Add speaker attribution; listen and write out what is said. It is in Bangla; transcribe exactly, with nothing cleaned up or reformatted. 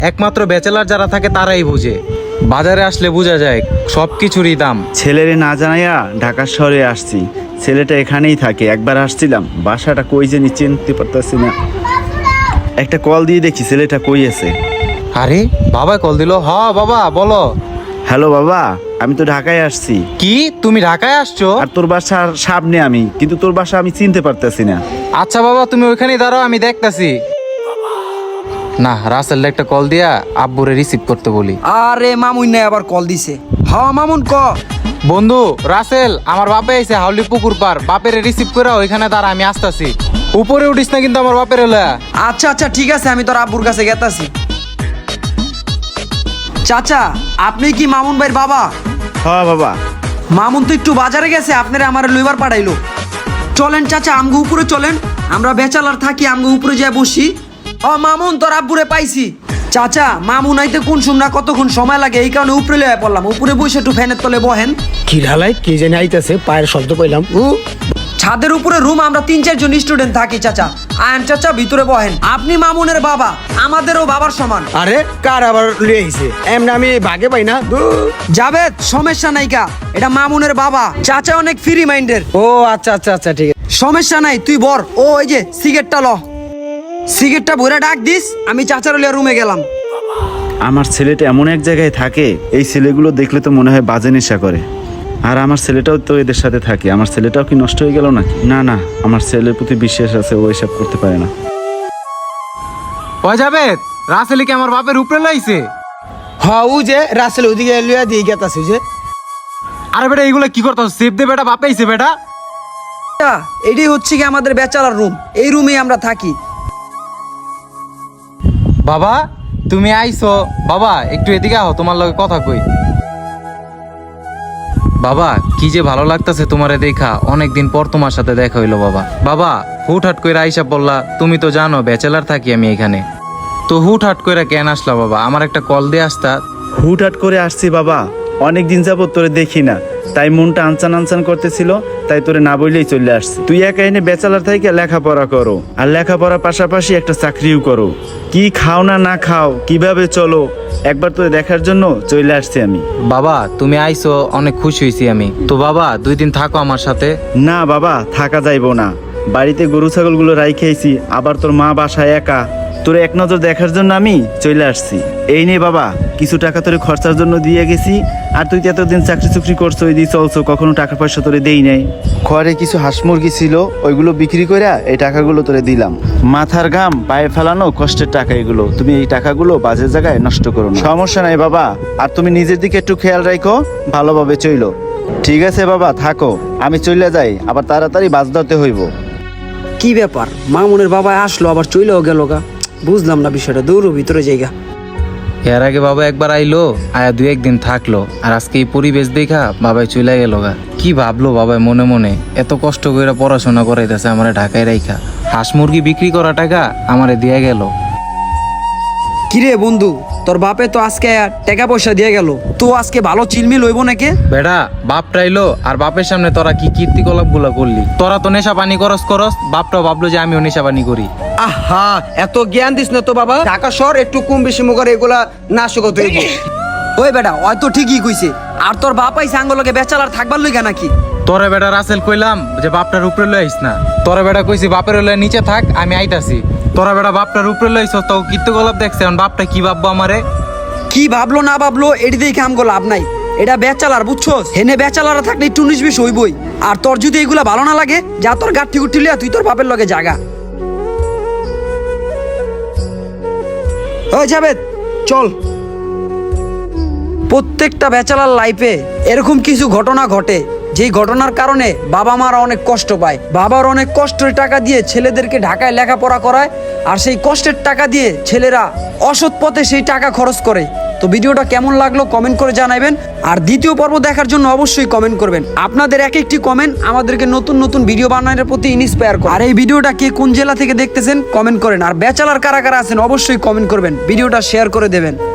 Speaker 1: একমাত্র ব্যাচেলার যারা থাকে তারাই বুঝে। বাজারে আসলে বোঝা যায় সব কিছুরই দাম।
Speaker 2: ছেলেরে না জানাইয়া ঢাকা শহরে আসছি, ছেলেটা এখানেই থাকে। একবার আসছিলাম, বাসাটা কই জানি চিনতে পারতেছি না। একটা কল দিয়ে দেখি ছেলেটা কই আছে।
Speaker 1: আরে বাবা কল দিল। হ বাবা বলো।
Speaker 2: হ্যালো বাবা, আমি তো ঢাকায় আসছি।
Speaker 1: কি তুমি ঢাকায় আসছো?
Speaker 2: আর তোর বাসার সামনে আমি, কিন্তু তোর বাসা আমি চিনতে পারতেছি না।
Speaker 1: আচ্ছা বাবা তুমি ওইখানেই দাঁড়াও, আমি দেখতাছি। না, রাসেল একটা কল দিয়া আব্বুরে রিসিভ করতে বলি।
Speaker 3: আরে মামুন নাই আবার কল দিছে। হ্যাঁ মামুন ক।
Speaker 1: বন্ধু রাসেল, আমার বাপে আইছে হাউলি পুকুর পার, বাপেরে রিসিভ করে ওইখানে দাঁড়া, আমি আসতাছি। উপরে উঠিস না কিন্তু আমার বাপের এলা।
Speaker 3: আচ্ছা আচ্ছা ঠিক আছে, আমি তোর আব্বুর কাছে গেতাছি। চাচা আপনি কি মামুন ভাইয়ের বাবা?
Speaker 2: হ্যাঁ বাবা।
Speaker 3: মামুন তো একটু বাজারে গেছে, আপনারা আমার লইবার পাঠাইলো। চলেন চাচা আমগো উপরে চলেন, আমরা বেচালার থাকি, আমগো উপরে যাই বসি। ও মামুন তোর আব্বুরে পাইছি। চাচা মামুন আইতে কোন সময় কতক্ষণ সময় লাগে, এই কারণে উপরে লইয়া পড়লাম। উপরে বসে একটু ফ্যানের তলে বহেন।
Speaker 4: কি ঢালাই কি জানি আইতেছে, পায়ের শব্দ পাইলাম। উ
Speaker 3: ছাদের উপরে রুম, আমরা তিন চারজন স্টুডেন্ট থাকি। চাচা আয়ন চাচা ভিতরে বহেন। আপনি মামুনের বাবা, আমাদেরও বাবার সমান।
Speaker 4: আরে কার আবার লিয়ে আইছে, এমনি আমি ভাগে পাই না।
Speaker 3: জাভেদ সমস্যা নাই কা, এটা মামুনের বাবা। চাচা অনেক ফ্রি মাইন্ডের।
Speaker 4: ও আচ্ছা আচ্ছা আচ্ছা ঠিক আছে।
Speaker 3: সমস্যা নাই, তুই বর। ও এই যে সিগারেটটা ল, সিগারেটটা ভরে ডাক দিস। আমি চাচার লিয়া রুমে গেলাম।
Speaker 2: আমার ছেলেটা এমন এক জায়গায় থাকে, এই ছেলেগুলো দেখলে তো মনে হয় বাজে নেশা করে। আর আমার ছেলেটাও তো এদের সাথে থাকে। আমার ছেলেটাও কি নষ্ট হয়ে গেল নাকি? না না, আমার ছেলের প্রতি বিশ্বাস আছে, ও এসব করতে পারে না।
Speaker 1: ওই যাবে রাসেল কি আমার বাপের উপরে লাইছে?
Speaker 4: হ্যাঁ ও যে রাসেল ওদিকে লিয়া দিয়ে গেতাছে যে।
Speaker 1: আরে বেটা এইগুলো কি করতো? সেফ দে বেটা, বাপে আইছে বেটা।
Speaker 3: চাচা, এটাই হচ্ছে কি আমাদের ব্যাচেলার রুম, এই রুমেই আমরা থাকি।
Speaker 1: বাবা তুমি আইছো? বাবা একটু এদিকে আও, তোমার লগে কথা কই। বাবা কি যে ভালো লাগতাছে তোমারে দেখা, অনেকদিন পর তোমার সাথে দেখা হইলো বাবা। বাবা হুটহাট কইরা আইসা বললা, তুমি তো জানো ব্যাচেলার থাকি আমি এখানে, তো হুটহাট কইরা কেন আসলা বাবা? আমার একটা কল দিয়ে আসতা।
Speaker 2: হুটহাট করে আসছি বাবা, অনেক দিন যাবত তোরে দেখি না, তাই মনটা আনচান আনচান করতেছিল, তাই তোরে না বললেই চলে আসছি। তুই একা এনে ব্যাচেলার থেকে লেখাপড়া করো, আর লেখাপড়ার পাশাপাশি একটা চাকরিও করো। কি খাও না না খাও, কিভাবে চলো, একবার তোরে দেখার জন্য চলে আসছি আমি।
Speaker 1: বাবা তুমি আইছো, অনেক খুশি হয়েছি আমি। তো বাবা দুই দিন থাকো আমার সাথে।
Speaker 2: না বাবা, থাকা যাইবো না। বাড়িতে গরু ছাগলগুলো রাইখেছি, আবার তোর মা বাসায় একা, তোরে এক নজর দেখার জন্য আমি চলে আসছি। এই নে বাবা, কিছু টাকা তোরে খরচার জন্য দিয়ে গেছি। আর তুই তো এতদিন চাকরি চুকরি করছো, ওই দিয়ে চলছো, কখনো টাকা পয়সা তোরে দেই নাই। ঘরে কিছু হাঁস মুরগি ছিল, ওইগুলো বিক্রি করে এই টাকাগুলো তোরে দিলাম। মাথার ঘাম পায়ে ফেলানো কষ্টের টাকা এগুলো, তুমি এই টাকাগুলো বাজে জায়গায় নষ্ট করো না। সমস্যা নাই বাবা, আর তুমি নিজের দিকে একটু খেয়াল রাখো, ভালোভাবে চইলো। ঠিক আছে বাবা, থাকো, আমি চলে যাই, আবার তাড়াতাড়ি বাজ ধরতে হইব।
Speaker 3: কি ব্যাপার, মামুনের বাবা আসলো আবার চইলেও গেল গা? বুঝলাম না বিষয়টা, দৌড়ো ভিতরে জায়গা।
Speaker 1: এর আগে বাবা একবার আইলো, আয়া দুই একদিন থাকলো, আর আজকে এই পরিবেশ দেখা বাবাই চলে গেল গা। কি ভাবলো বাবাই মনে মনে, এত কষ্ট করে পড়াশোনা করাইতেছে আমারে ঢাকায় রাইখা, হাঁস মুরগি বিক্রি করা টাকা আমারে দিয়ে গেল।
Speaker 3: কিরে বন্ধু, তোর বাপে তো আজকে টাকা পয়সা দিয়ে গেল, তো আজকে ভালো চিলমিল হইব নাকি?
Speaker 1: বেটা বাপটা এলো, আর বাপের সামনে তোরা কি কীর্তিকলাপ গুলা করলি? তোরা তো নেশা পানি করস করস, বাপটাও ভাবলো যে আমিও নেশা পানি করি।
Speaker 4: আহা এত জ্ঞান দিস না তো বাবা, ঢাকা শহর একটু কম বেশি মুখের এগুলা নাশকত হইব।
Speaker 3: ওই বেটা হয়তো ঠিকই কইছে। আর তোর বাপ আইছে আঙ্গলকে বেচালার থাকবার লইগা নাকি?
Speaker 1: তোরে বেটা রাসেল কইলাম যে বাপটার উপরে লই আইস না, তোরে বেটা কইছি বাপের লয়ে নিচে থাক, আমি আইতাছি। তোরা বেটা বাপটার উপরে লইছ, তো কীর্তিকলাপ দেখছে, এখন বাপটা কি ভাববো আমারে?
Speaker 3: কি ভাবলো না ভাবলো এটি দেখে আমগো লাভ নাই, এটা বেচালার বুঝছস। হেনে বেচালারা থাকলে একটু উনিশ বিশ হইবই। আর তোর যদি এগুলা ভালো না লাগে, যা তোর গাঠি গুঠি লিয়া তুই তোর বাপের লগে জাগা। ওই যাবে চল। প্রত্যেকটা ব্যাচেলার লাইফে এরকম কিছু ঘটনা ঘটে, যেই ঘটনার কারণে বাবা মারা অনেক কষ্ট পায়। বাবার অনেক কষ্টের টাকা দিয়ে ছেলেদেরকে ঢাকায় লেখাপড়া করায়, আর সেই কষ্টের টাকা দিয়ে ছেলেরা অসৎ পথে সেই টাকা খরচ করে। তো ভিডিওটা কেমন লাগলো কমেন্ট করে জানাবেন, আর দ্বিতীয় পর্ব দেখার জন্য অবশ্যই কমেন্ট করবেন। আপনাদের এক একটি কমেন্ট আমাদেরকে নতুন নতুন ভিডিও বানানোর প্রতি ইন্সপায়ার করে। আর এই ভিডিওটা কে কোন জেলা থেকে দেখতেছেন কমেন্ট করেন, আর ব্যাচেলার কারা কারা আছেন অবশ্যই কমেন্ট করবেন, ভিডিওটা শেয়ার করে দেবেন।